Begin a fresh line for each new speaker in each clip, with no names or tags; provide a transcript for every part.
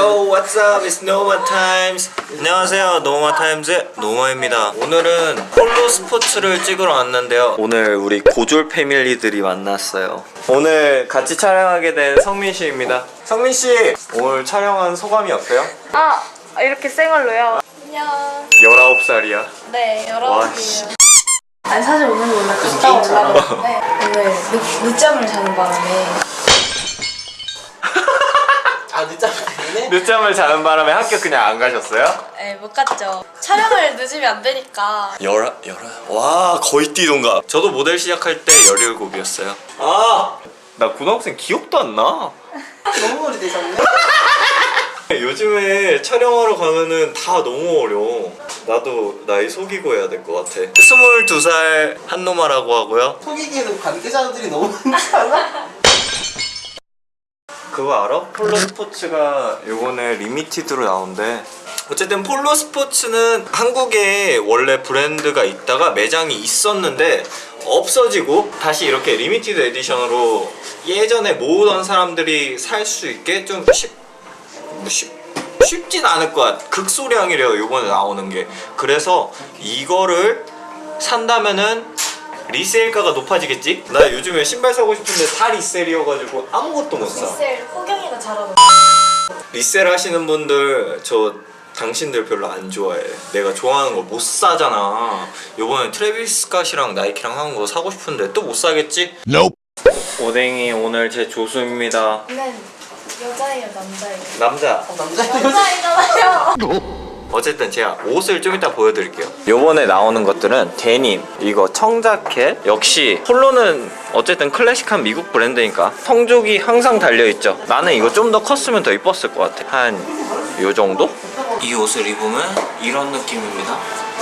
Yo, what's up? It's Noma Times. 안녕하세요, 노마 타임즈 노마입니다. 오늘은 폴로 스포츠를 찍으러 왔는데요. 오늘 우리 고졸 패밀리들이 만났어요. 오늘 같이 촬영하게 된 성민 씨입니다. 성민 씨, 오늘 촬영한 소감이 어때요?
이렇게 생얼로요? 안녕.
19살이야.
네,
와, 씨.
19살이에요. 아니 사실 오늘 원래 갔다 오려고 했는데 오늘 늦잠을 자는 바람에
늦잠 때문에?
늦잠을 자는 바람에 학교 그냥 안 가셨어요?
네, 못 갔죠. 촬영을 늦으면 안 되니까.
와, 거의 띠동갑. 저도 모델 시작할 때 17이었어요. 나 고등학생 기억도 안 나.
너무 오래되셨네?
요즘에 촬영하러 가면은 다 너무 어려워. 나도 나이 속이고 해야 될 것 같아. 22살 한노마라고 하고요.
속이기에는 관계자들이 너무 많지 않아?
그거 알아? 폴로 스포츠가 요번에 리미티드로 나온대. 어쨌든 폴로 스포츠는 한국에 원래 브랜드가 있다가 매장이 있었는데 없어지고 다시 이렇게 리미티드 에디션으로 예전에 모으던 사람들이 살 수 있게 좀 쉽진 않을 거야. 극소량이래요, 요번에 나오는 게. 그래서 이거를 산다면은 리세일가가 높아지겠지? 나 요즘에 신발 사고 싶은데 다 리셀이어가지고 아무것도 못 사.
리셀 호경이가 잘하는.
리셀 하시는 분들, 저 당신들 별로 안 좋아해. 내가 좋아하는 거 못 사잖아. 요번에 트래비스 스캇이랑 나이키랑 하는 거 사고 싶은데 또 못 사겠지? Nope. 오뎅이 오늘 제 조수입니다.
네, 여자예요, 남자예요?
남자.
남자이잖아요.
어쨌든 제가 옷을 좀 이따 보여드릴게요. 요번에 나오는 것들은 데님, 이거 청자켓. 역시 폴로는 어쨌든 클래식한 미국 브랜드니까 성족이 항상 달려있죠. 나는 이거 좀 더 컸으면 더 이뻤을 것 같아. 한 요 정도? 이 옷을 입으면 이런 느낌입니다.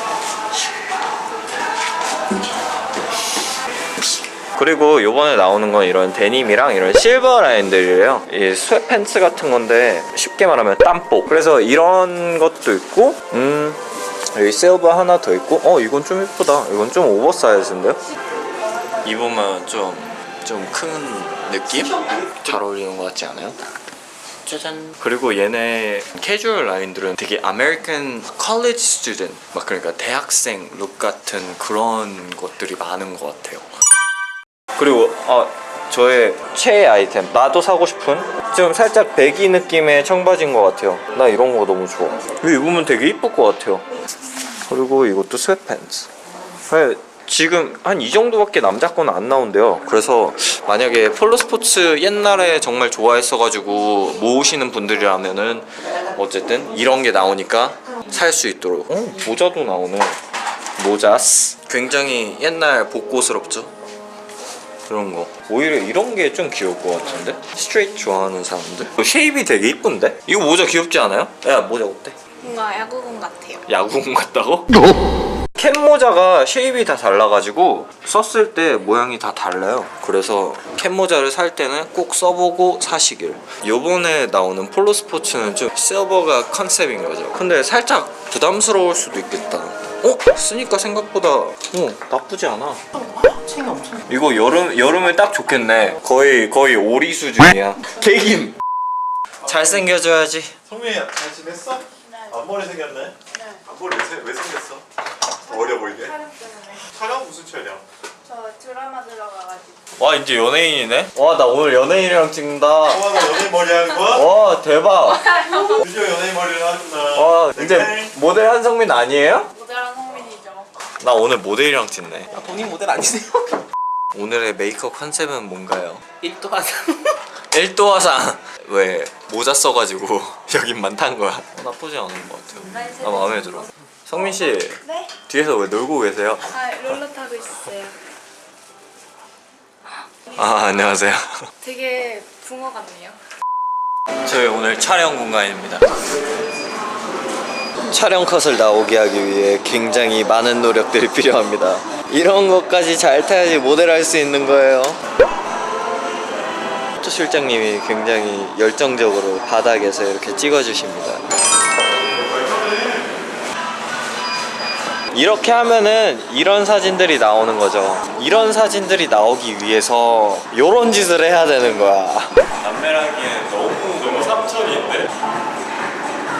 그리고 요번에 나오는 건 이런 데님이랑 이런 실버 라인들이래요. 이 스웨트팬츠 같은 건데 쉽게 말하면 땀복. 그래서 이런 것도 있고 여기 실버 하나 더 있고 이건 좀 이쁘다. 이건 좀 오버사이즈인데요? 입으면 좀 큰 느낌? 잘 어울리는 것 같지 않아요? 짜잔. 그리고 얘네 캐주얼 라인들은 되게 아메리칸 컬리지 스튜던트, 막 그러니까 대학생 룩 같은 그런 것들이 많은 것 같아요. 그리고 저의 최애 아이템, 나도 사고 싶은 좀 살짝 배기 느낌의 청바지인 것 같아요. 나 이런 거 너무 좋아. 이거 입으면 되게 이쁠 것 같아요. 그리고 이것도 스웨트팬츠. 지금 한 이 정도밖에 남자 거는 안 나온대요. 그래서 만약에 폴로 스포츠 옛날에 정말 좋아했어가지고 모으시는 분들이라면은 어쨌든 이런 게 나오니까 살 수 있도록. 모자도 나오네. 모자스. 굉장히 옛날 복고스럽죠. 그런 거. 오히려 이런 게 좀 귀여울 것 같은데? 스트레이트 좋아하는 사람들? 쉐입이 되게 이쁜데? 이거 모자 귀엽지 않아요? 야, 모자 어때?
뭔가 야구공 같아요.
야구공 같다고? 캡 모자가 쉐입이 다 달라가지고 썼을 때 모양이 다 달라요. 그래서 캡 모자를 살 때는 꼭 써보고 사시길. 요번에 나오는 폴로 스포츠는 좀 실버가 컨셉인 거죠. 근데 살짝 부담스러울 수도 있겠다. 쓰니까 생각보다 나쁘지 않아.
챙이 엄청.
이거 여름에 딱 좋겠네. 거의 오리 수준이야. 개김. 잘생겨줘야지.
성민이 잘 지냈어?
네.
앞머리 생겼네?
네.
앞머리 왜 생겼어? 어려 보이게?
촬영 때문에.
촬영? 무슨 촬영?
저 드라마 들어가가지고.
와, 이제 연예인이네? 와, 나 오늘 연예인이랑 찍는다.
너 연예인 머리 하는 거야?
와, 대박.
드디어 연예인 머리를 하는구나.
와, 이제 모델 한성민 아니에요?
모델한 성민이죠.
나 오늘 모델이랑 찍네.
본인 모델 아니세요?
오늘의 메이크업 컨셉은 뭔가요?
1도 화상.
1도 화상. 왜 모자 써가지고 여긴만 탄 거야. 나쁘지 않은 것 같아요. 나 마음에 들어. 성민 씨,
네?
뒤에서 왜 놀고 계세요?
롤러 타고 있어요.
안녕하세요.
되게 붕어 같네요.
저희 오늘 촬영 공간입니다. 촬영 컷을 나오게 하기 위해 굉장히 많은 노력들이 필요합니다. 이런 것까지 잘 타야지 모델할 수 있는 거예요. 또 실장님이 굉장히 열정적으로 바닥에서 이렇게 찍어주십니다. 이렇게 하면은 이런 사진들이 나오는 거죠. 이런 사진들이 나오기 위해서 요런 짓을 해야 되는 거야. 남매라기엔 너무 3천인데?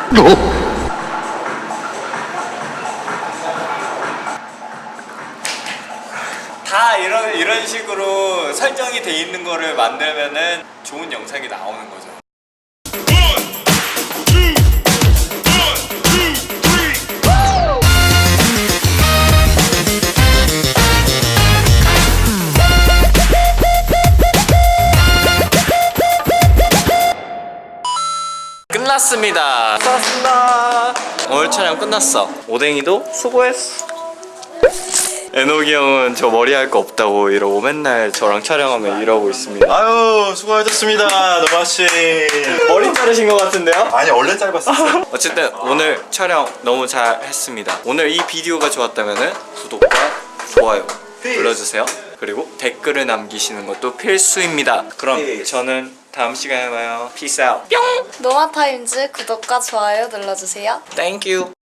다 이런 식으로 설정이 돼 있는 거를 만들면은 좋은 영상이 나오는 거죠. 끝났습니다. 끝났습니다. 오늘 촬영 끝났어. 오뎅이도 수고했어. 에녹이 형은 저 머리 할 거 없다고 이러고 맨날 저랑 촬영하면 이러고 있습니다.
아유 수고하셨습니다 노마씨.
머리 자르신 것 같은데요?
아니 원래 짧았었어.
어쨌든 오늘 촬영 너무 잘 했습니다. 오늘 이 비디오가 좋았다면 구독과 좋아요 눌러주세요. 그리고 댓글을 남기시는 것도 필수입니다. 그럼 저는 다음 시간에 봐요. Peace out. 뿅!
노마타임즈 구독과 좋아요 눌러주세요.
Thank you.